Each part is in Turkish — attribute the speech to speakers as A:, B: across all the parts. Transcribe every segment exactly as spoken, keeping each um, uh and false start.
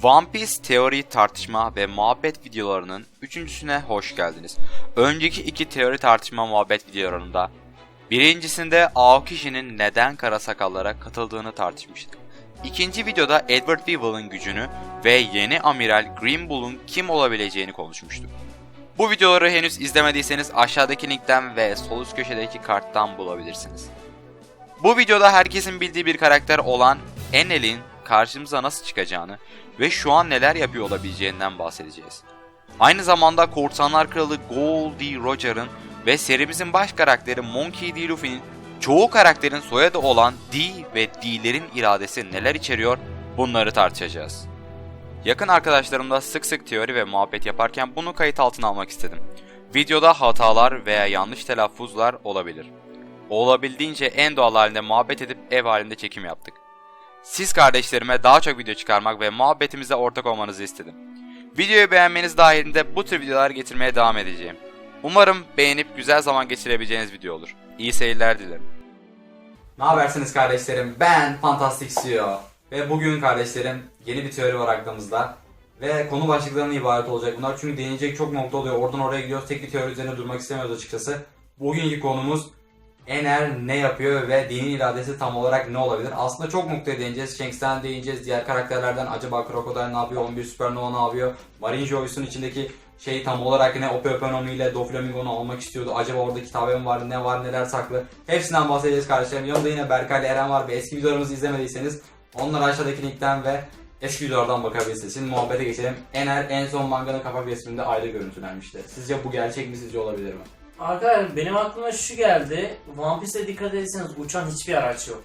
A: One Piece teori, tartışma ve muhabbet videolarının üçüncüsüne hoş geldiniz. Önceki iki teori, tartışma, muhabbet videolarında birincisinde Aokishi'nin neden kara sakallara katıldığını tartışmıştık. İkinci videoda Edward Weevil'ın gücünü ve yeni amiral Green Bull'un kim olabileceğini konuşmuştuk. Bu videoları henüz izlemediyseniz aşağıdaki linkten ve sol üst köşedeki karttan bulabilirsiniz. Bu videoda herkesin bildiği bir karakter olan Enel'in karşımıza nasıl çıkacağını ve şu an neler yapıyor olabileceğinden bahsedeceğiz. Aynı zamanda Korsanlar Kralı Goldie Roger'ın ve serimizin baş karakteri Monkey D. Luffy'nin çoğu karakterin soyadı olan D ve D'lerin iradesi neler içeriyor, bunları tartışacağız. Yakın arkadaşlarımla sık sık teori ve muhabbet yaparken bunu kayıt altına almak istedim. Videoda hatalar veya yanlış telaffuzlar olabilir. Olabildiğince en doğal halinde muhabbet edip ev halinde çekim yaptık. Siz kardeşlerime daha çok video çıkarmak ve muhabbetimize ortak olmanızı istedim. Videoyu beğenmeniz dahilinde bu tür videolar getirmeye devam edeceğim. Umarım beğenip güzel zaman geçirebileceğiniz video olur. İyi seyirler dilerim.
B: Ne habersiniz kardeşlerim? Ben Fantastic C E O. Ve bugün kardeşlerim yeni bir teori var aklımızda. Ve konu başlıklarından ibaret olacak bunlar. Çünkü değinecek çok nokta oluyor. Oradan oraya gidiyoruz. Tek bir teori üzerine durmak istemiyoruz açıkçası. Bugünkü konumuz Enel ne yapıyor ve dinin iradesi tam olarak ne olabilir? Aslında çok noktaya değineceğiz. Shanks'ten değineceğiz. Diğer karakterlerden acaba Crocodile ne yapıyor? on bir Supernova ne yapıyor? Marine Joyce'un içindeki şey tam olarak ne? Opeoponomi ile Doflamingo'nu almak istiyordu. Acaba orada kitabe mi var? Ne var? Neler saklı? Hepsinden bahsedeceğiz kardeşlerim. Yanımda yine Berkay ile Eren var ve eski videolarımızı izlemediyseniz onları aşağıdaki linkten ve eski videolardan bakabilirsiniz. Şimdi muhabbete geçelim. Enel en son manganın kapak resminde ayda görüntülenmişti. Sizce bu gerçek mi? Sizce olabilir mi?
C: Arkadaşlar benim aklıma şu geldi. One Piece'e dikkat ederseniz uçan hiçbir araç yok.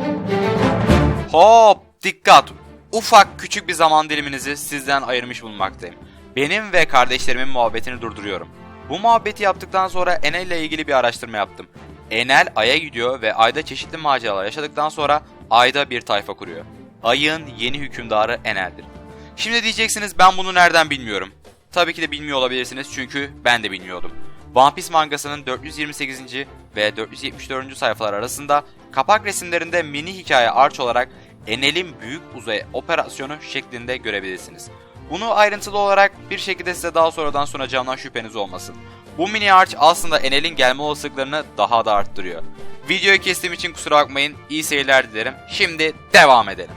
A: Hop, dikkat! Ufak küçük bir zaman diliminizi sizden ayırmış bulunmaktayım. Benim ve kardeşlerimin muhabbetini durduruyorum. Bu muhabbeti yaptıktan sonra Enel ile ilgili bir araştırma yaptım. Enel Ay'a gidiyor ve Ay'da çeşitli maceralar yaşadıktan sonra Ay'da bir tayfa kuruyor. Ay'ın yeni hükümdarı Enel'dir. Şimdi diyeceksiniz, ben bunu nereden bilmiyorum? Tabii ki de bilmiyor olabilirsiniz çünkü ben de bilmiyordum. One Piece mangasının dört yüz yirmi sekizinci ve dört yüz yetmiş dördüncü sayfalar arasında kapak resimlerinde mini hikaye arç olarak Enel'in büyük uzay operasyonu şeklinde görebilirsiniz. Bunu ayrıntılı olarak bir şekilde size daha sonradan sunacağımdan şüpheniz olmasın. Bu mini arç aslında Enel'in gelme olasılıklarını daha da arttırıyor. Videoyu kestiğim için kusura bakmayın, iyi seyirler dilerim. Şimdi devam edelim.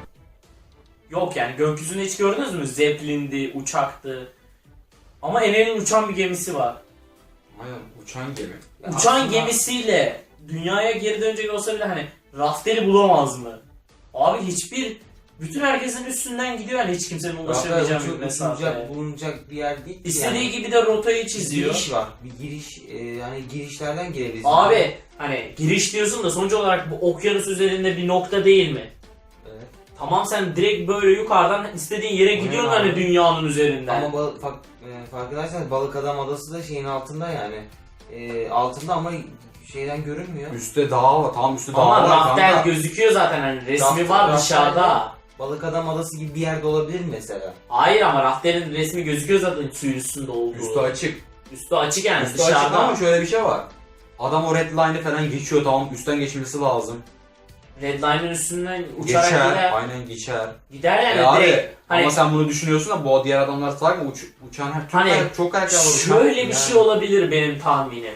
C: Yok yani gökyüzünde hiç gördünüz mü? Zeppelin'di, uçaktı. Ama Enel'in uçan bir gemisi var.
B: Aynen, uçan gemi.
C: Uçan
B: Aslında
C: gemisiyle dünyaya geri dönecek olsa bile hani Rafter'i bulamaz mı? Abi hiçbir, bütün herkesin üstünden gidiyor yani hiç kimsenin ulaşamayacağı bir mesafeye.
D: Bulunacak, bulunacak bir yer değil.
C: İstediği
D: yani.
C: gibi de rotayı
D: Bir
C: çiziyor.
D: giriş var. Bir giriş, e, yani girişlerden girebiliriz.
C: Abi hani giriş diyorsun da sonuç olarak bu okyanus üzerinde bir nokta değil mi?
D: Evet.
C: Tamam, sen direkt böyle yukarıdan istediğin yere
D: Aynen
C: gidiyorsun
D: abi.
C: hani dünyanın üzerinden.
D: Ama bal, fark, e, farkındaysanız Balık Adam Adası da şeyin altında yani. E, altında ama şeyden görünmüyor.
B: üstte dağ var. Tam üstte dağ
C: Ama
B: var.
C: rafter
B: kanka.
C: gözüküyor zaten, hani resmi
D: Rafter-
C: var
D: rafter-
C: dışarıda.
D: Balık Adam Adası gibi bir yerde olabilir mi mesela?
C: Hayır ama rafterin resmi gözüküyor zaten suyun üstünde olduğu.
B: Üstü açık.
C: Üstü açık yani
B: Üstü açık
C: dışarıda.
B: ama şöyle bir şey var. Adam o red line'ı falan geçiyor, tamam, üstten geçmesi lazım.
C: Redline'ın üstünden uçarak
B: Geçer,
C: gider.
B: aynen geçer.
C: Gider yani
B: E abi,
C: direkt. Hani
B: ama sen bunu düşünüyorsun da bu diğer adamlar salak mı? Uç, uçan her çok,
C: Hani
B: karak- çok karakter var. uçan.
C: şöyle bir
B: Yani.
C: şey olabilir benim tahminim.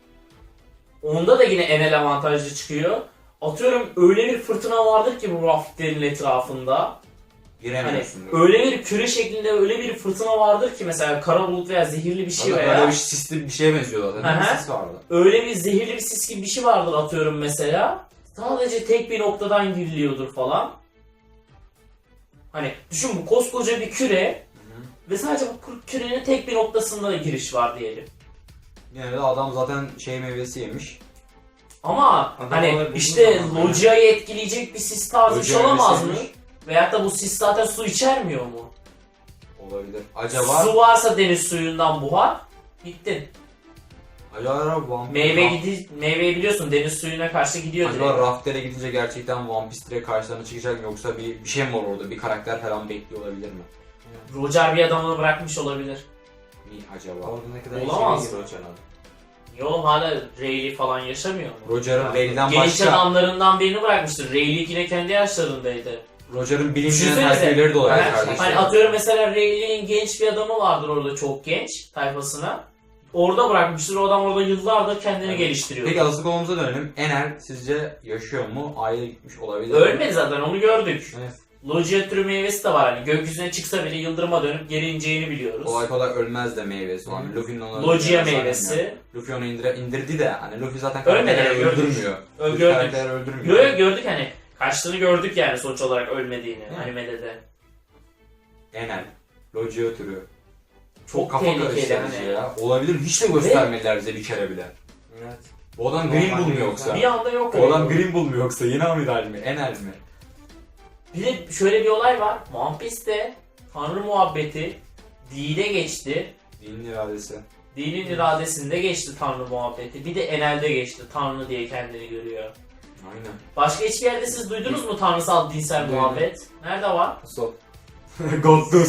C: Onda da yine Enel avantajlı çıkıyor. Atıyorum öyle bir fırtına vardır ki bu rafterin etrafında. Hani
B: Giremiyorsun.
C: öyle bir küre şeklinde öyle bir fırtına vardır ki mesela kara bulut veya zehirli bir şey
B: Zaten
C: veya
B: böyle bir sisli bir şeye benziyor zaten.
C: Hı hı.
B: Bir sis vardı.
C: öyle bir zehirli bir sis gibi bir şey vardır atıyorum mesela. Sadece tek bir noktadan giriliyordur falan. Hani düşün, bu koskoca bir küre ve sadece bu kürenin tek bir noktasında da giriş var diyelim.
B: Yani de adam zaten şey meyvesi yemiş.
C: Ama
D: Adam
C: hani
D: olabilir,
C: işte
D: bulduğu zaman.
C: Logia'yı etkileyecek bir sis tarzı bir şey
B: Logia
C: olamaz mı?
B: meyvesi
C: Veyahut da bu sis zaten su içermiyor mu?
B: Olabilir. Acaba
C: Su varsa deniz suyundan buhar, bittin.
B: acaba One
C: Meyve gidi meyveyi biliyorsun deniz suyuna karşı gidiyor
B: Acaba
C: direkt.
B: Rafter'e gidince gerçekten One Piece direkt karşılarına çıkacak mı, yoksa bir bir şey mi var orada? Bir karakter falan bekliyor olabilir mi?
C: Roger bir adamını bırakmış olabilir.
B: Mi acaba?
D: Orada ne kadar
C: Olamaz
D: işe
C: mı?
D: giriyor canım.
C: Niye oğlum, hala Rayleigh falan yaşamıyor mu?
B: Roger'ın Rayleigh'den
C: Genç
B: başka...
C: adamlarından birini bırakmıştır. Rayleigh yine kendi yaşlarındaydı.
B: Roger'ın bilimcinin
C: Düşünsenize.
B: terfiyeleri de olabilir
C: Hani,
B: kardeşim.
C: hani atıyorum mesela Rayleigh'in genç bir adamı vardır orada, çok genç tayfasına. Orada bırakmıştır, o adam orada yıllardır kendini
B: Evet.
C: geliştiriyor.
B: Peki asıl konumuza dönelim. Enel sizce yaşıyor mu? Ay'a gitmiş olabilir mi?
C: Ölmedi zaten, onu gördük.
B: Evet.
C: Logia türü meyvesi de var, hani gökyüzüne çıksa bile yıldırıma dönüp geri ineceğini biliyoruz.
B: Kolay kolay ölmez de meyvesi. Hani Luffy'nin onu
C: Logia
B: öldürmesi
C: meyvesi.
B: önemli. Luffy onu indire, indirdi de hani Luffy zaten
C: Ölmedi,
B: karakterleri
C: gördük.
B: öldürmüyor.
C: Ö-
B: Luffy
C: gördük.
B: karakterleri öldürmüyor.
C: Yo yo gördük, hani kaçtığını gördük yani sonuç olarak ölmediğini
B: Hı.
C: animede de.
B: Enel. Logia türü.
C: Çok
B: Çok kafa
C: tehlikeli
B: karıştırıcı
C: hani.
B: ya. Olabilir. Hiç de göstermediler bize bir kere bile.
D: Evet.
B: Bu adam
D: Normal
B: Green Bull mu
D: bir
B: yoksa?
C: Bir anda yok
B: Bu adam
C: oldu.
B: Green Bull mu yoksa? Yeni amiral mi? Enel mi?
C: Bir de şöyle bir olay var. One Piece'te Tanrı muhabbeti D'de geçti.
B: Dinin iradesi.
C: D'nin iradesinde geçti Tanrı muhabbeti. Bir de Enel'de geçti. Tanrı diye kendini görüyor.
B: Aynen.
C: Başka hiçbir yerde siz duydunuz mu tanrısal dinsel
B: Duydum.
C: muhabbet? Nerede var?
D: Stop.
B: God do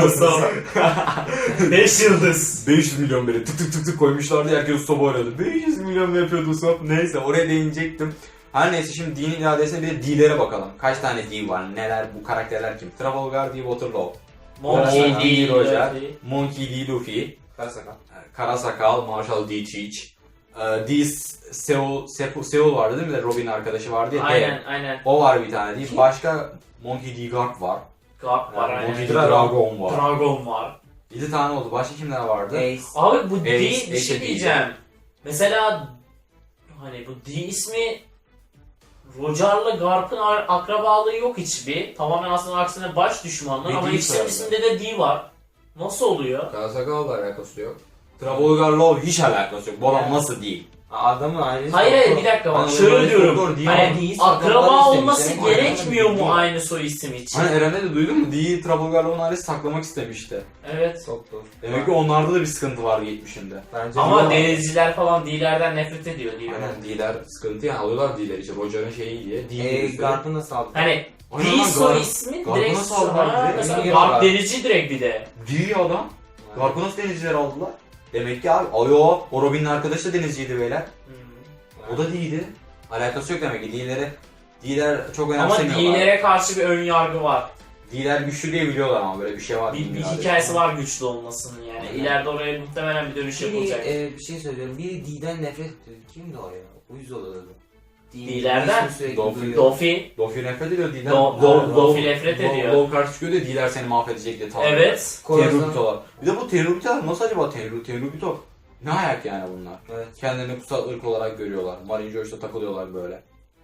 C: beş yıldız.
B: beş yüz milyon böyle tık tık tık tık koymuşlardı, herkes soba oynadı. beş yüz milyon mu yapıyordu Usopp? Neyse oraya değinecektim. Her neyse şimdi dinin iradesine bir de D'lere bakalım. Kaç tane D var? Neler? Bu karakterler kim? Trafalgar D. Waterloo.
C: Monkey
B: Monkey
C: D.
B: D. Roger.
C: Luffy.
B: Monkey D. Luffy.
D: Karasakal.
B: Karasakal, Marshall D. Cheech. Ee, D. Seul, Seul, Seul vardı değil mi? Robin arkadaşı vardı ya. D.
C: Aynen aynen.
B: O var bir tane değil. Başka Monkey D. Garp var.
C: Garp var aynen.
B: Monkey D. Dragon var.
C: Dragon var.
B: yedi tane oldu. Başka kimler vardı?
D: Ace.
C: Abi bu D
B: Ace,
C: bir
B: Ace
C: şey
B: de
C: diyeceğim. Mesela hani bu D ismi Roger'la Garp'ın ar- akrabalığı yok hiçbir. Tamamen aslında aksine baş düşmanlar
B: Ve
C: ama
B: D
C: ikisinin
B: sardı.
C: isminde de D var. Nasıl oluyor?
B: Karasakal'la alakası yok. Trafalgar'la hiç alakası yok. Bu adam
D: Yani.
B: nasıl değil?
D: Adamın ailesi.
C: Hayır hayır bir dakika bak
B: Hani
C: şöyle
B: böyle
C: diyorum.
B: doktor değil
C: Hani
B: ama
D: değil,
C: akraba
D: adamlar
C: olması
D: istemiş, yani.
C: gerekmiyor mu
D: Aynen.
C: aynı soy isim için?
B: Hani Eren'e de duydun mu? D'yi Trafalgar'la onun ailesi saklamak istemişti.
C: Evet.
D: Doktor.
B: Demek ki onlarda da bir sıkıntı var geçmişinde.
D: Bence
C: Ama
D: bu-
C: denizciler falan D'lerden nefret ediyor diyor.
B: Aynen D'ler sıkıntı yani alıyorlar D'leri için. Roger'ın şeyi diye. D'yi
D: Eee
B: gösteriyor.
D: Garp'ı nasıl aldı?
C: Hani
B: Aynen
C: D
B: lan,
C: soy
B: Garp-
C: ismi
B: Garp'ı
C: direkt
B: nasıl aldılar
C: Ha,
B: direkt?
C: mesela
D: Bilgi
C: Garp
D: var.
C: denizci direkt bir de.
B: D'yi adam. Garp'ı nasıl denizciler aldılar? Demek ki abi ayo o Robin'in arkadaşı da denizciydi beyler.
C: Hmm.
B: O da D'ydi. Alakası yok demek ki D'leri. D'ler çok
C: Ama
B: önemsemiyorlar.
C: D'lere karşı bir ön yargı var.
B: D'ler güçlü diye biliyorlar ama böyle bir şey var.
C: Bir, bir
B: bilmiyorlar.
C: hikayesi var güçlü olmasının yani.
B: Aynen.
C: İleride oraya muhtemelen bir dönüş
D: Biri,
C: yapılacak.
D: e, bir şey söylüyorum. Biri D'den nefret ediyor. Kimdi o ya? Uyuz oluyordu.
C: D'lerden?
D: İsmi sürekli
B: Dolphin.
D: duyuyor.
C: Dofi.
B: Dofi nefret ediyor D'den.
C: Do- Do- Dofi nefret ediyor.
B: Lol karşı çıkıyor diyor D'ler seni mahvedecek diye tamam.
C: Evet.
B: Tenrubitolar. Bir de bu Tenrubitolar nasıl acaba Tenru, Tenrubito? Ne ayak yani bunlar?
D: Evet.
B: Kendilerini kutsal ırk olarak görüyorlar. Marine George'da takılıyorlar böyle.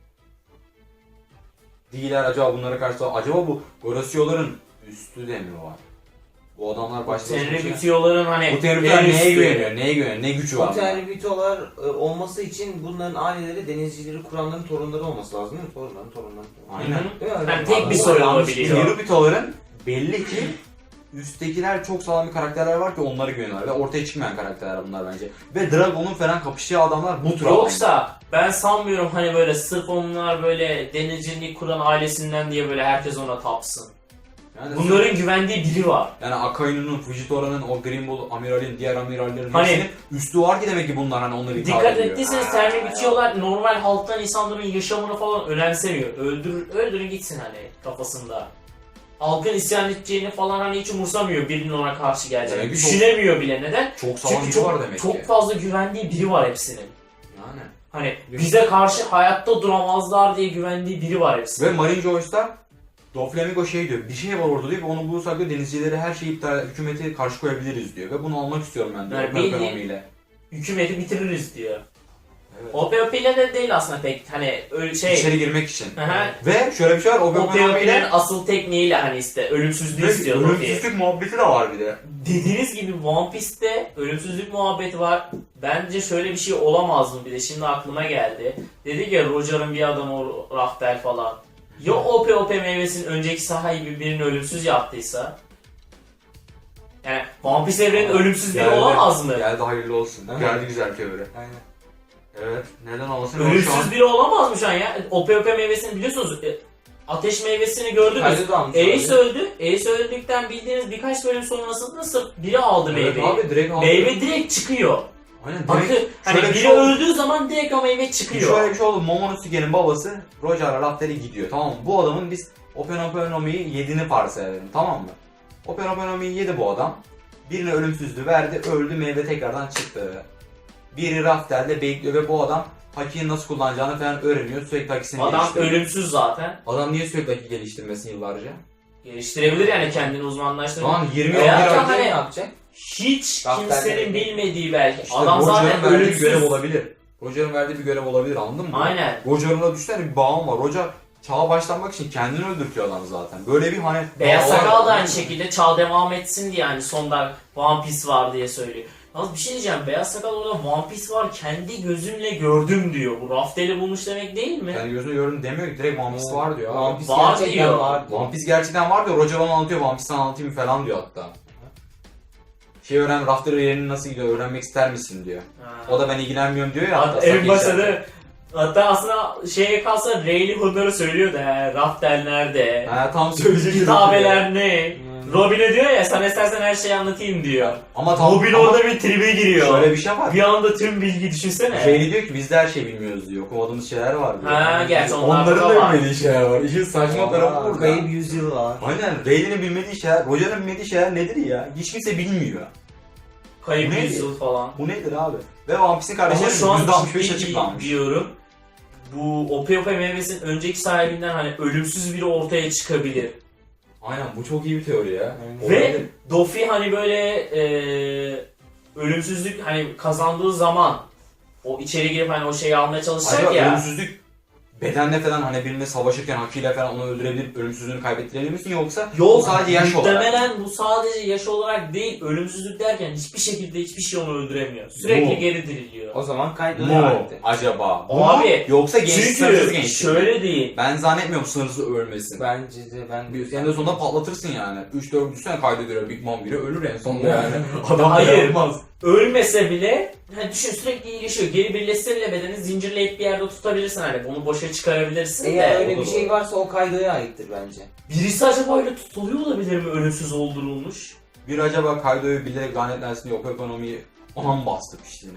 B: D'ler acaba bunlara karşı acaba bu Gorosyoların üstü de mi var? Bu adamlar başta
C: Tenri bitiyorların hani
B: Bu Tenrubitolar
C: en
B: neye
C: üstü.
B: güveniyor? Neye güveniyor? Ne gücü var?
D: Bu
B: bunlar?
D: terbitolar e, olması için bunların aileleri denizcileri kuranların torunları olması lazım değil mi? Torunların torunları.
B: Aynen.
C: Hı hı.
D: Değil mi?
C: Yani tek bir
D: Bu-
C: soy
D: yanlış
C: olabiliyor.
D: değil.
B: Tenrubitoların belli ki üsttekiler çok sağlam bir karakterler var ki onları güveniyorlar ve ortaya çıkmayan karakterler bunlar bence. Ve Dragon'un falan kapıştığı adamlar bu tür adamlar.
C: Yoksa ben sanmıyorum hani böyle sırf onlar böyle denizciliği kuran ailesinden diye böyle herkes ona tapsın.
B: Yani
C: Bunların güvendiği biri var.
B: Yani Akainu'nun, Fujitora'nın, o Green Bull amiralin, diğer amirallerin
C: Hani-
B: hepsinin üstü var ki demek ki bunlar hani onları ithal
C: Dikkat
B: ediyor.
C: ettiyseniz termi bitiyorlar normal halktan insanların yaşamını falan önemsemiyor. Öldür, öldürün gitsin hani kafasında. Halkın isyan edeceğini falan hani hiç umursamıyor birinin ona karşı geleceğini.
B: Demek ki çok-
C: Düşünemiyor bile neden?
B: Çok sağlam
C: Çünkü
B: biri
C: çok,
B: var demek
C: çok
B: ki.
C: fazla güvendiği biri var hepsinin.
B: Yani.
C: Hani bize karşı hayatta duramazlar diye güvendiği biri var hepsinin.
B: Ve Marine Joyce'da Doflamingo şey diyor, bir şey var orada diyor ve onu bulursak diyor denizcileri her şeyi iptal, hükümeti karşı koyabiliriz diyor ve bunu almak istiyorum ben diyor.
C: Yani
B: Yani
C: bildiğin-
B: ekonomiyle.
C: Hükümeti bitiririz diyor.
B: Evet.
C: O P O P ile de değil aslında pek hani öyle şey.
B: İçeri girmek için.
C: Aha.
B: Ve şöyle bir şey var, o
C: O P O
B: ekonomiyle
C: P'nin asıl tekniğiyle hani işte ölümsüzlüğü istiyor Luffy.
B: ölümsüzlük muhabbeti de var bir de.
C: Dediğiniz gibi One Piece'te ölümsüzlük muhabbeti var. Bence şöyle bir şey olamaz mı bir de şimdi aklıma geldi. Dedi ya Roger'ın bir adamı o Raftel falan. Ya O P O P meyvesinin önceki sahibi birini ölümsüz yaptıysa? Yani One Piece evrenin ölümsüz biri
B: Geldi.
C: olamaz mı?
B: Geldi hayırlı olsun.
D: Evet.
B: Geldi güzel teori.
D: Aynen.
B: Evet. Neden olmasın?
C: Ölümsüz biri olamaz mı şu an ya? O P O P meyvesini biliyorsunuz. e, Ateş meyvesini gördünüz.
D: Kaydı da almış
C: Ace
D: abi.
C: öldü. Ace öldükten bildiğiniz birkaç bölüm sonrasında sırf biri aldı
B: Evet
C: meyveyi.
B: abi direkt aldı.
C: Meyve direkt çıkıyor.
B: Aynen
C: Bakın
B: direkt
C: hani
B: şöyle bir
C: biri
B: şey oldu.
C: öldüğü zaman direkt o meyve çıkıyor.
B: Şöyle bir şey oldu. Momonosuke'nin babası Roger'la Rafter'e gidiyor, tamam mı? Bu adamın biz Open Open Nomi'yi yediğini varsayalım, tamam mı? Open Open Nomi'yi yedi bu adam. Birine ölümsüzlüğü verdi, öldü, meyve tekrardan çıktı. Biri Rafter'le bekliyor ve bu adam Haki'yi nasıl kullanacağını falan öğreniyor. Sürekli Haki'sini
C: Adam
B: geliştiriyor.
C: ölümsüz zaten.
B: Adam niye sürekli Haki geliştirmesin yıllarca?
C: Geliştirebilir yani kendini uzmanlaştırır.
B: Lan yirmi
C: Veya
B: yıl
C: da
B: önce
C: hani-
D: ne yapacak?
C: Hiç
D: Rafter'de
C: kimsenin
D: bekliyor.
C: bilmediği belki.
B: İşte
C: Adam
B: Roger'ın
C: zaten
B: verdiği bir
C: ölümsüz.
B: görev olabilir. Roger'ın verdiği bir görev olabilir, anladın mı?
C: Aynen.
B: Roger'ın da düşünsene bir bağım var. Roger çağa başlamak için kendini öldürtüyor adam zaten. Böyle bir hani...
C: Beyaz
B: bağ var.
C: Sakal da aynı şekilde çağ devam etsin diye hani sonda One Piece var diye söylüyor. Yalnız bir şey diyeceğim, Beyaz Sakal orada One Piece var kendi gözümle gördüm diyor. Bu Rafter'i bulmuş demek değil mi?
B: Yani gözünü gördüm demiyor ki, direkt One Piece var diyor.
D: One
B: Abi.
D: Piece
C: Var
D: gerçekten
C: diyor.
D: var diyor.
B: One Piece gerçekten var diyor. Roger onu anlatıyor. One Piece'ten anlatayım falan diyor hatta. Şey öğren, Rafter'ın yerini nasıl gidiyor öğrenmek ister misin diyor.
C: Ha.
B: O da ben ilgilenmiyorum diyor ya.
C: Hatta
B: hatta
C: en
B: Saki
C: başta
B: içeride.
C: da hatta aslında şeye kalsa Rayleigh bunları söylüyor da he, Rafter nerede?
B: Ha, tam söyleyecek.
C: Kitabeler ne?
D: Hmm.
C: Robin'e diyor ya sana istersen her şeyi anlatayım diyor.
B: Ama tam
C: Robin
B: ama
C: orada bir tribe giriyor.
B: şöyle bir şey var.
C: Bir anda tüm bilgi düşünsene.
B: Şey diyor ki biz de her şeyi bilmiyoruz diyor. Okumadığımız şeyler var diyor.
C: Ha, gerçi onlar
B: Onların
C: da
B: da
C: var.
B: bilmediği şeyler var. İşin saçma tarafı
D: Aa,
B: burada.
D: Kayıp yüzyıl var.
B: Aynen. Rayleigh'nin bilmediği şeyler, Roger'ın bilmediği şeyler nedir ya? Hiç kimse bilmiyor.
C: Kayıp
B: Neydi?
C: yüzyıl falan.
B: Bu nedir abi? Ve One Piece'in
C: Ama
B: kardeşleri
C: şu an
B: yüzde altmış beş
C: ciddi
B: açıklanmış.
C: diyorum. Bu Ope Ope meyvesinin önceki sahibinden hani ölümsüz biri ortaya çıkabilir.
B: Aynen, bu çok iyi bir teori ya.
D: Aynen.
C: Ve
B: Olabilir.
C: Doffy hani böyle eee ölümsüzlük hani kazandığı zaman o içeri girip hani o şeyi almaya çalışacak
B: Acaba
C: ya.
B: ölümsüzlük bedenle falan hani birine savaşırken hakkıyla falan onu öldürebilip ölümsüzlüğünü kaybettirebilir misin, yoksa bu
C: Yok,
B: sadece yaş olarak?
C: muhtemelen bu sadece yaş olarak değil, ölümsüzlük derken hiçbir şekilde hiçbir şey onu öldüremiyor. Sürekli
B: Bu.
C: geri diriliyor.
D: O zaman kayıtlı
B: Mu
D: halde.
B: acaba? Bu
C: O
B: mu?
C: abi,
B: Yoksa genç sınırsız
C: Çünkü
B: genç.
C: şöyle değil.
B: Ben zannetmiyorum sınırsız ölmesin.
D: Bence de ben...
B: Bir- En de sonunda patlatırsın yani. üç dört düşünsene kaydediyor Big Mom biri ölür en sonunda yani. Adam
C: Hayır.
B: dayanmaz.
C: Ölmese bile hani düşün sürekli iyileşiyor. Geri birleşse bile bedeni zincirleyip bir yerde tutabilirsin hani bunu boşa çıkarabilirsin
D: Eğer
C: de.
D: öyle
B: o da
D: bir şey varsa o kaydoya aittir bence.
C: Birisi acaba öyle tutuluyor olabilir mi ölümsüz oldurulmuş?
B: Bir acaba Kaido'yu bilerek lanetlensin diye o ekonomiyi ona mı bastı piştiğine?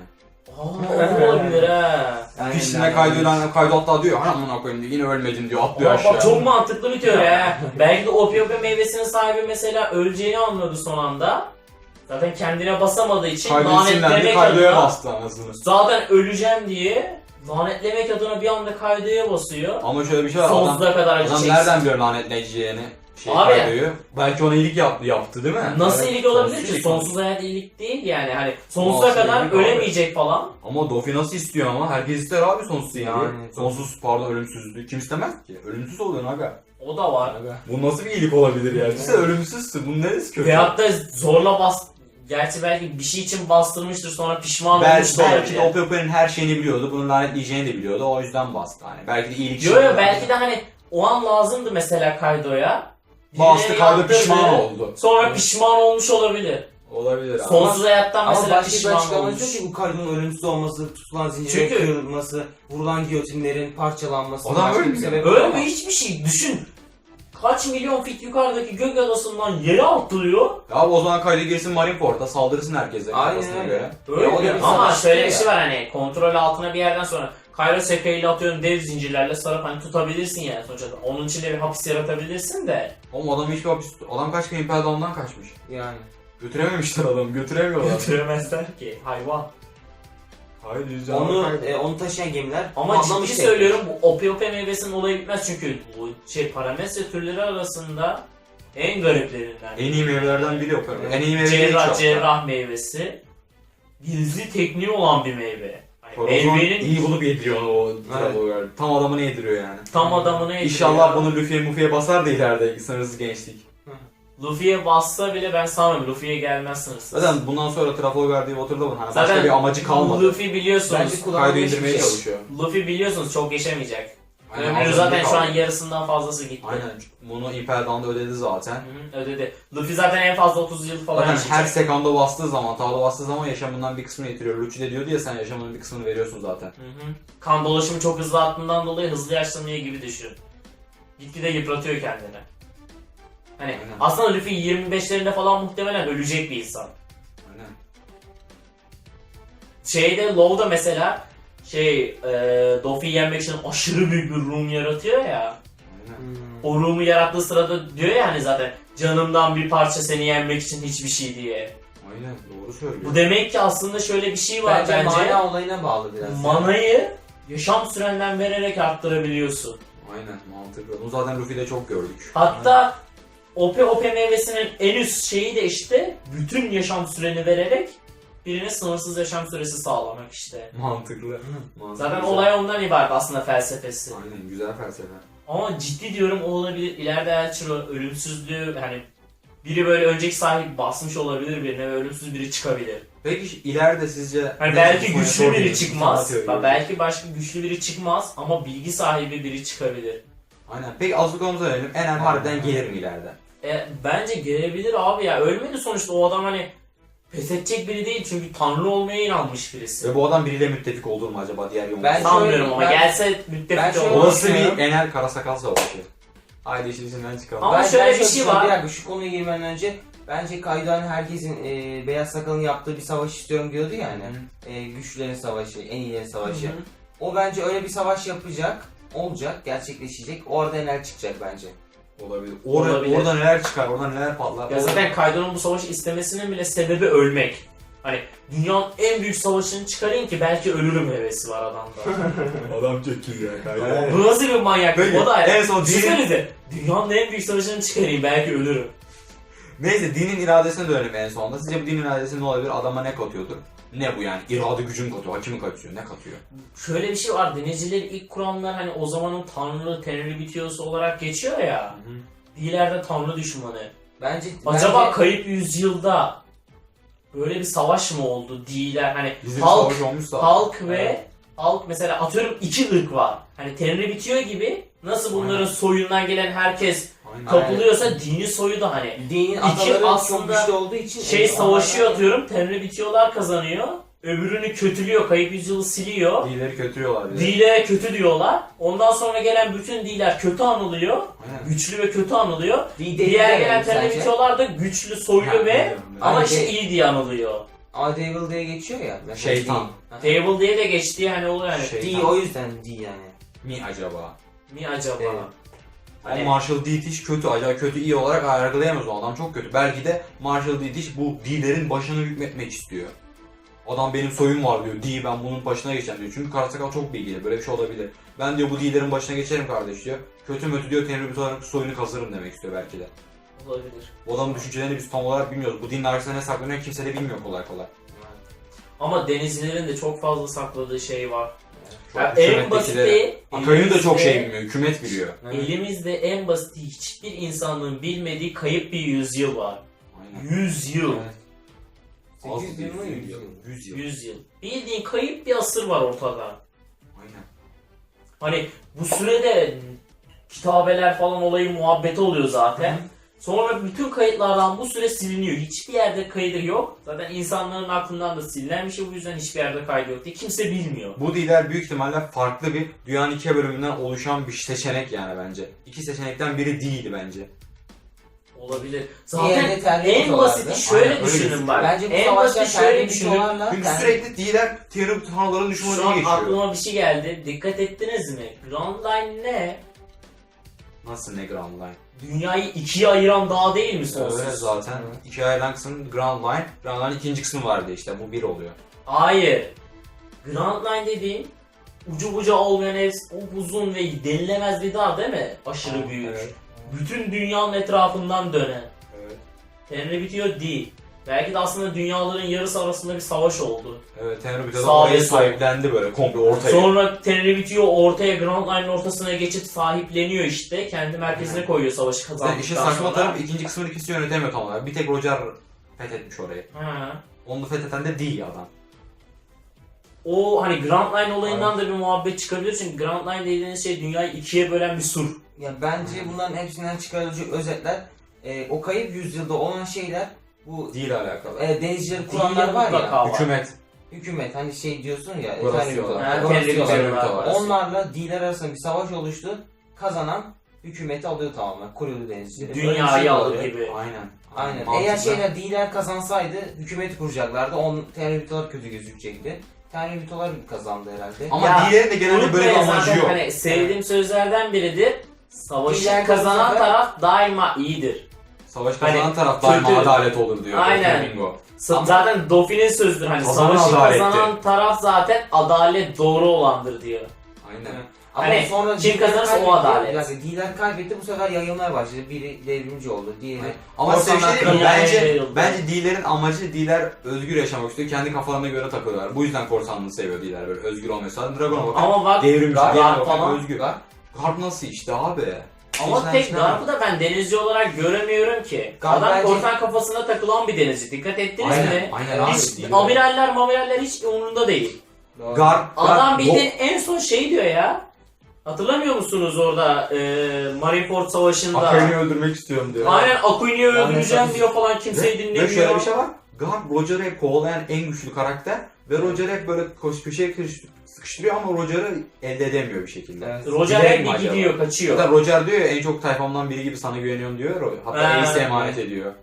C: Aa olabilir ha.
D: Aynen,
B: Piştiğine
D: aynen.
B: Kaido'yu lanet, Kaido hatta diyor hani amına koyayım diyor, yine ölmedin diyor, atlıyor
C: Aa,
B: aşağı.
C: bak çok mantıklı bir teori ha. Belki de Ope Ope meyvesinin sahibi mesela öleceğini anladı son anda. Zaten kendine basamadığı için
B: Kaido'yu sinirlendi,
C: lanetlemek
B: Kaido'ya
C: adına
B: bastı anasını.
C: zaten öleceğim diye lanetlemek adına bir anda Kaido'ya basıyor.
B: Ama şöyle bir şey var, adam,
C: Sonsuza kadar acı
B: adam
C: çeksin.
B: nereden biliyor lanetleyeceğini? Şey
C: Abi.
B: Kaido'yu. Belki ona iyilik yaptı, yaptı değil mi?
C: Nasıl
B: Evet,
C: iyilik olabilir
B: sonsuz
C: ki?
B: iyilik.
C: Sonsuz hayat iyilik değil yani. Hani sonsuza
B: Nasıl
C: kadar
B: iyilik abi?
C: ölemeyecek falan.
B: Ama Dofi nasıl istiyor ama? Herkes ister abi sonsuz iyiliği.
D: Yani.
B: Sonsuz pardon ölümsüzlüğü. Kim istemez ki? Ölümsüz oluyorsun aga.
C: O da var.
B: Bu nasıl bir iyilik olabilir yani? Sen ölümsüzsün. Bunun neresi kötü?
C: Veyahut da zorla bas... Gerçi belki bir şey için bastırmıştır sonra pişman
B: Bel,
C: olmuş da
B: belki de
C: olabilir.
B: Ope Ope'nin her şeyini biliyordu. Bunu lanetleyeceğini de biliyordu. O yüzden bastı hani. Belki de iyilik
C: Yo yo belki de hani o an lazımdı mesela Kaido'ya.
B: bastı,
C: Birileri
B: Kaido
C: yaptırdı,
B: pişman oldu.
C: Sonra pişman olmuş olabilir.
B: Olabilir abi.
C: Sonsuz hayattan
D: Ama
C: mesela
D: başka bir
C: pişman
D: açıklaması
C: olmuş.
D: yok ki bu Kaido'nun ölümsüz olması, tutulan zincirin
C: Çünkü-
D: kırılması, vurulan giyotinlerin parçalanması,
B: Adam
D: başka bir
B: ölmüyor.
D: sebep
C: Öyle hiçbir şey düşün. Kaç milyon fit yukarıdaki gök adasından yere atlıyor.
B: Ya o zaman Kaido girsin Marineport'a saldırsın herkese
D: Aynen
B: kafasına
D: öyle.
B: göre.
C: Öyle
D: Ya o da bir
C: ama
D: savaş
C: şöyle
D: değil
C: bir
D: ya.
C: şey var hani kontrol altına bir yerden sonra Kaido Sekai'yle atıyorum dev zincirlerle sarıp hani tutabilirsin yani sonuçta. Onun içinde bir hapis yaratabilirsin de.
B: Oğlum adam hiçbir hapis... Adam kaç kere Impel Down'dan kaçmış.
D: yani.
B: Götürememişler adamı. Götüremiyorlar.
C: Götüremezler ki hayvan.
B: Hayır
D: Onu e, onu taşıyan gemiler
C: Ama
D: patlamış
C: ciddi
D: tekrar.
C: söylüyorum bu Ope Ope meyvesinin olayı bitmez çünkü bu şey parametre türleri arasında en gariplerinden.
B: En iyi meyvelerden biri yok. En iyi meyve
C: cerrah
B: değil
C: cerrah meyvesi. Gizli tekniği olan bir meyve. Yani
B: Meyvenin
C: meyvenin
B: iyi bulup yediriyor onu o Trafalgar. Tam adamını yediriyor yani.
C: tam adamını yediriyor.
B: İnşallah bunu Luffy'ye Muffy'ye basar da ileride sınırsız gençlik.
C: Luffy'ye bassa bile ben sanmıyorum. Luffy'ye gelmez sınırsız.
B: Zaten bundan sonra Trafalgar diye oturdu mu? Hani
C: Zaten
B: başka bir amacı kalmadı.
C: Luffy biliyorsunuz.
D: Bence
B: Kaydı
D: kullanılmış bir
B: indirmeye
D: şey.
B: çalışıyor.
C: Luffy biliyorsunuz çok geçemeyecek.
B: Aynen,
C: Ömrü
B: az
C: zaten
B: önce
C: şu an
B: kaldı.
C: yarısından fazlası gitti.
B: Aynen. Bunu Impel Down'da ödedi zaten.
C: Hı, ödedi. Luffy zaten en fazla otuz yıl falan
B: Zaten
C: yaşayacak.
B: her sekanda bastığı zaman, tavla bastığı zaman yaşamından bir kısmını getiriyor. Luffy de diyordu ya sen yaşamının bir kısmını veriyorsun zaten.
C: Hı hı. Kan dolaşımı çok hızlı arttığından dolayı hızlı yaşlanıyor gibi düşün. Gitgide yıpratıyor kendini. Hani
B: Aynen.
C: aslında Luffy yirmi beşlerinde falan muhtemelen ölecek bir insan.
B: Aynen.
C: Şeyde Low'da mesela şey e, Doffy'yi yenmek için aşırı büyük bir room yaratıyor ya.
B: Aynen.
D: Hmm.
C: O room'u yarattığı sırada diyor ya hani zaten canımdan bir parça seni yenmek için hiçbir şey diye.
B: Aynen doğru söylüyor.
C: Bu demek ki aslında şöyle bir şey var
D: Bence,
C: bence.
D: mana olayına bağlı biraz.
C: Manayı yaşam sürenden vererek arttırabiliyorsun.
B: Aynen mantıklı. Bunu zaten Luffy'de çok gördük.
C: Hatta O P O P meyvesinin en üst şeyi de işte bütün yaşam süreni vererek birine sınırsız yaşam süresi sağlamak işte.
B: Mantıklı. Mantıklı.
C: Zaten olay ondan ibaret aslında felsefesi.
B: Aynen güzel felsefe.
C: Ama ciddi diyorum o olabilir. İleride Elçin ölümsüzlüğü hani biri böyle önceki sahibi basmış olabilir birine ve ölümsüz biri çıkabilir.
B: Peki ileride sizce...
C: Hani
B: ne
C: belki
B: konuya
C: güçlü biri
B: sorduğunuz
C: çıkmaz.
B: sanat
C: Bak
B: teorileri?
C: belki başka güçlü biri çıkmaz ama bilgi sahibi biri çıkabilir.
B: Aynen. Peki Azuko'muza verelim. Enel harbiden gelir mi ileride?
C: E, bence gelebilir abi ya. Ölmedi sonuçta o adam hani pes edecek biri değil çünkü tanrı olmaya inanmış birisi.
B: Ve bu adam biriyle müttefik olur mu acaba diğer yolda?
D: Ben-
C: Sanmıyorum
D: şöyle-
C: ama
D: ben-
C: gelse
D: ben
C: müttefik
D: şöyle-
C: olur.
B: Olası
D: düşünüyorum.
B: bir Enel Karasakal savaşı. Haydi işin içinden çıkalım.
C: Ama
D: Ben-
C: şöyle
D: ben
C: bir
D: şöyle
C: şey
D: düşünüyorum.
C: var.
D: Bir dakika şu konuya girmeden önce bence Kaido'nun herkesin e, beyaz sakalın yaptığı bir savaş istiyorum diyordu ya hani. E, güçlülerin savaşı, en iyilerin savaşı.
C: Hı hı.
D: O bence öyle bir savaş yapacak, olacak, gerçekleşecek. Orada Enel çıkacak bence.
B: Olabilir. Orada,
C: Olabilir.
B: Orada neler çıkar, orada neler patlar.
C: Ya zaten Kaido'nun bu savaşı istemesinin bile sebebi ölmek. Hani dünyanın en büyük savaşını çıkarayım ki belki ölürüm hevesi var adamda.
B: Adam çekil ya.
C: Bu nasıl bir manyaklık?
B: Peki,
C: O da
B: en son
C: düşünsenize. Dünyanın en büyük savaşını çıkarayım belki ölürüm.
B: Neyse dinin iradesine dönelim en sonunda. Sizce bu dinin iradesi ne olabilir? Adama ne katıyordur? Ne bu yani? İrade gücün katıyor, hakimi katıyor, ne katıyor?
C: Şöyle bir şey var. Denizcileri ilk kuranlar hani o zamanın tanrı, tenri bitiyorsa olarak geçiyor ya. Diğerlerde tanrı düşmanı.
D: Bence
C: Acaba
D: bence,
C: kayıp yüzyılda böyle bir savaş mı oldu? Diğerler hani
B: Bizim
C: halk
B: savaş olmuşsa.
C: halk ve
D: Evet.
C: halk mesela atıyorum iki ırk var. Hani tenri bitiyor gibi nasıl bunların
B: Aynen.
C: soyundan gelen herkes
B: Aynen.
C: kapılıyorsa dini soyu da hani
D: dinin
C: İki
D: ataları çok
C: aslında
D: güçlü olduğu için
C: şey
D: e,
C: savaşıyor
D: onlardan-
C: atıyorum tenri bitiyorlar kazanıyor. Öbürünü kötülüyor kayıp yüzyılı siliyor.
B: Dileri kötülüyorlar bir de.
C: Dile kötü diyorlar. Ondan sonra gelen bütün diler kötü anılıyor.
B: Aynen.
C: Güçlü ve kötü anılıyor.
D: Di-
C: Diğer
D: deliler
C: gelen
D: yani
C: tenri
D: sence?
C: bitiyorlar da güçlü soylu
B: Ha,
C: ve
B: biliyorum,
C: ama
D: biliyorum.
C: işte
D: Ay,
C: iyi diye anılıyor.
D: A Devil diye geçiyor ya. Mesela
B: Şeytan.
D: D.
C: Table diye de geçtiği hani oluyor yani.
B: Şey-
D: D o yüzden D yani.
B: Mi acaba?
C: Mi acaba?
D: Evet.
B: Ama
C: Hani-
B: Marshall Dietrich kötü. Acaba kötü iyi olarak yargılayamaz o adam çok kötü. Belki de Marshall Dietrich bu D'lerin başını hükmetmek istiyor. Adam benim soyum var diyor. D ben bunun başına geçeceğim diyor. Çünkü Karasakal çok bilgili. Böyle bir şey olabilir. Ben diyor bu D'lerin başına geçerim kardeş diyor. Kötü mötü diyor Tenryubito olarak soyunu kazırım demek istiyor belki de.
C: Olabilir.
B: Bu adamın düşüncelerini biz tam olarak bilmiyoruz. Bu dinin arkasında ne saklanıyor kimse de bilmiyor kolay kolay.
C: Ama denizcilerin de çok fazla sakladığı şey var.
B: Çok
C: Ya en
B: hükümettekileri-
C: basiti
B: Akay'ın da çok
C: elimizde-
B: şey bilmiyor. Hükümet biliyor.
C: Elimizde en basit hiçbir insanlığın bilmediği kayıp bir yüzyıl var.
B: Aynen.
C: Yüzyıl.
B: Evet. Az
D: sekiz yıl mı
B: bir
D: yüz yıl?
B: yüz yıl.
C: Yüzyıl. Bildiğin kayıp bir asır var ortada.
B: Aynen.
C: Hani bu sürede kitabeler falan olayı muhabbeti oluyor zaten. Sonra bütün kayıtlardan bu süre siliniyor. Hiçbir yerde kaydı yok. Zaten insanların aklından da silinen bir şey, bu yüzden hiçbir yerde kaydı yok diye kimse bilmiyor.
B: Bu D'ler büyük ihtimalle farklı bir dünyanın iki bölümünden oluşan bir seçenek yani bence. İki seçenekten biri D'ydi bence.
C: Olabilir.
D: Diğerinde
C: Zaten
D: terli
C: en
D: bitolardı.
C: basiti şöyle
B: Aynen, öyle
C: düşünün
B: gözüküyor.
C: bak.
D: Bence bu
C: En
D: savaşlar
C: basit şöyle
D: terli
C: düşünün.
D: bitolarla
B: Çünkü
D: yani-
B: sürekli D'ler Tenryubito tanrıların
C: Şu
B: düşmanına
C: an
B: geçiyor.
C: aklıma bir şey geldi. Dikkat ettiniz mi? Grand Line ne?
B: Nasıl ne Grand Line?
C: Dünyayı ikiye ayıran dağ değil mi sonsuz?
B: Öyle zaten.
D: Evet.
B: İki ayrılan kısmın Grand Line. Grand Line'in ikinci kısmı vardı işte. Bu bir oluyor.
C: Hayır. Grand Line dediğin ucu bucağı olmayan ev, o uzun ve denilemez bir dağ değil mi? Aşırı
B: Tamam,
C: büyük.
B: evet.
C: Bütün dünyanın etrafından dönen.
B: Evet.
C: Tenri bitiyor değil. Belki de aslında dünyaların yarısı arasında bir savaş oldu.
B: Evet Tenryubito da
C: Sağ
B: orayı
C: ve sol.
B: sahiplendi böyle komple ortaya.
C: Sonra Tenri bitiyor ortaya Grand Line'ın ortasına geçip sahipleniyor işte. Kendi merkezine koyuyor savaşı
B: Yani
C: kazandıktan
B: işin
C: sonra.
B: saçma tarafı ikinci kısmını kimse yönetemiyor tam olarak. Bir tek Roger fethetmiş orayı.
C: Ha.
B: Onu fetheden de değil adam.
C: O hani Grand Line olayından da bir muhabbet çıkabilir çünkü Grand Line dediğiniz şey dünyayı ikiye bölen bir sur.
D: Ya bence bunların hepsinden çıkarılacak özetler e, o kayıp yüzyılda olan şeyler bu
B: Değil alakalı.
D: e, denizcileri
C: Değil
D: kuranlar var
C: mutlaka
D: ya
C: var.
B: Hükümet.
D: hükümet hani şey diyorsun ya
B: Orası
D: efendim
B: diyorlar.
D: diyorlar,
C: Ha,
D: orası
C: Tenri
D: diyorlar.
C: bitiyorlar.
B: var.
D: Onlarla D'ler arasında bir savaş oluştu. Kazanan hükümeti alıyor tamamen. Kurulu denizcileri. Böyle bir
C: Dünyayı
D: şey
C: alır
D: oluyor.
C: gibi.
B: Aynen.
D: Aynen.
B: Mantıklı.
D: Eğer şeyler D'ler kazansaydı hükümeti kuracaklardı. On teröristler kötü gözükecekti. Teröristler kazandı herhalde.
B: Ama
C: Ya,
B: D'lerin de genelde böyle bir
C: Unutmayın
B: amacı
C: zaten
B: yok.
C: hani sevdiğim sözlerden biridir. Savaşı
D: İler
C: kazanan
D: kazanır.
C: taraf daima iyidir.
B: Savaş kazanan
C: Hani
B: taraf daima
C: kötü-
B: adalet olur diyor.
C: Aynen.
B: Bingo.
C: Sa-
B: Ama-
C: zaten Dauphin'in sözüdür hani
B: Kazanan
C: savaşı
B: adaletti.
C: kazanan taraf zaten adalet doğru olandır diyor.
B: Aynen.
D: Ama
C: Hani
D: sonra
C: kim
D: D'ler
C: kazanırsa o
D: kaybetti.
C: adalet.
D: Yani D'ler kaybetti, bu sefer yayılmaya başladı. Biri devrimci oldu, diğeri...
B: Ama size bir şey diyeyim mi?
C: Dünyaya
B: Bence,
C: yayıldı.
B: bence D'lerin amacı D'ler özgür yaşamak istiyor. Kendi kafalarına göre takılıyorlar. Bu yüzden korsanlığı seviyor D'ler böyle özgür olmayı. Zaten Dragon'a bakın.
C: Ama bak
B: Devrimci,
C: Garp
B: diğerine bakın
C: falan.
B: özgür. Garp nasıl işte abi?
C: Ama
B: İçinden
C: tek
B: içine-
C: Garp'ı da ben denizci olarak göremiyorum ki.
D: Garp
C: Adam
D: bence-
C: korsan kafasına takılan bir denizci. Dikkat ettiniz
B: Aynen,
C: mi?
B: aynen abi.
C: Hiç
B: D'ler.
C: amiraller mamiraller hiç umurunda değil.
D: Doğru.
B: Garp,
C: Adam
B: Garp-
C: bildiğin en son şey diyor ya. Hatırlamıyor musunuz orada e, Marineford Savaşı'nda?
B: Akain'i öldürmek istiyorum diyor.
C: Aynen Akuini'yi
D: Yani
C: öldüreceğim
D: tabii.
C: diyor falan, kimseyi
B: Ve,
C: dinlemiyor.
B: ve şöyle bir şey var. Garp Roger'ı hep kovalayan en güçlü karakter. Ve Roger'ı hep böyle koş köşeye kırış- sıkıştırıyor ama Roger'ı elde edemiyor bir şekilde.
D: Evet.
C: Roger
B: Bilerek
C: hep
B: mi
C: bir
B: acaba?
C: gidiyor, kaçıyor.
B: Zaten Roger diyor ya en çok tayfamdan biri gibi sana güveniyorum diyor. Hatta
C: Ha,
B: Ace'e emanet
D: evet.
B: ediyor.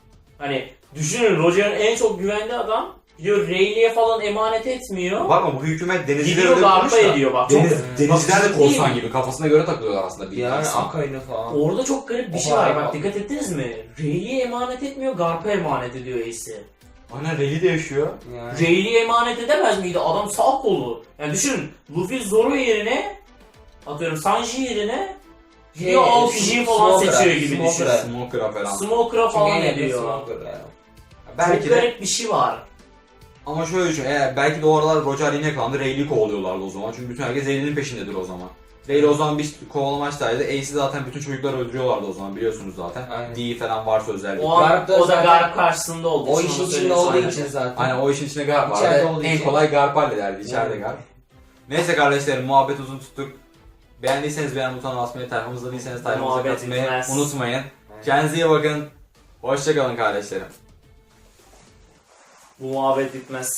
C: Hani düşünün, Roger'ın en çok güvendiği adam gidiyor Rayleigh'e falan emanet etmiyor.
B: Bakma bu hükümet denizcileri
C: Gidiyor
B: öyle
C: Garp'a
B: kurmuş da.
C: ediyor bak.
B: Deniz,
C: Çok,
B: denizciler de
C: bak,
B: korsan
C: değil.
B: gibi kafasına göre takılıyorlar aslında. Bir
D: Yani
B: insan.
D: Akain'i falan.
C: Orada çok garip bir
D: O
C: şey var,
D: harika.
C: bak dikkat ettiniz mi? Rayleigh'e emanet etmiyor, Garp'a emanet ediyor Ace'i.
B: Aynen Rayleigh de yaşıyor.
D: Yani.
C: Rayleigh'e emanet edemez miydi? Adam sağ kolu. Yani düşünün, Luffy Zoro yerine, atıyorum Sanji yerine gidiyor
D: Şey,
C: Aokiji falan
D: Smoker'a,
C: seçiyor gibi düşün.
D: Smoker'a.
B: Smoker'a falan.
C: Smoker'a
D: Çünkü
C: falan
D: en yakın
C: ediyor.
D: Smoker yani.
B: Belki
C: Çok
B: de
C: garip bir şey var.
B: ama şöyle düşün. Eğer belki de o aralar Roger yine yakalandı. Rayleigh'i kovalıyorlardı o zaman. Çünkü bütün herkes Rayleigh'in peşindedir o zaman. Rayleigh o zaman bir kovalamaçtaydı. Ace'i zaten bütün çocukları öldürüyorlardı o zaman biliyorsunuz zaten.
D: Aynen.
B: D falan varsa özellikle.
C: O, an,
D: Garp da
C: o da
D: zaten-
C: Garp karşısında oldu.
D: O
C: Şimdi
D: işin
C: onu
D: içinde
C: söyleyeyim
D: olduğu
C: sana.
D: için zaten.
B: Aynen o işin içinde Garp vardı.
D: İçeride olduğu
B: En
D: için.
B: kolay Garp hallederdi. İçeride
D: Yani.
B: Garp. Neyse kardeşlerim muhabbet uzun tuttuk. Beğendiyseniz beğen butonuna basmayı, tayfamızda değilseniz tayfamıza
C: Muhabbet
B: katılmayı
C: bitmez.
B: unutmayın. Kendinize iyi bakın. Hoşçakalın kardeşlerim.
C: Bu muhabbet bitmez.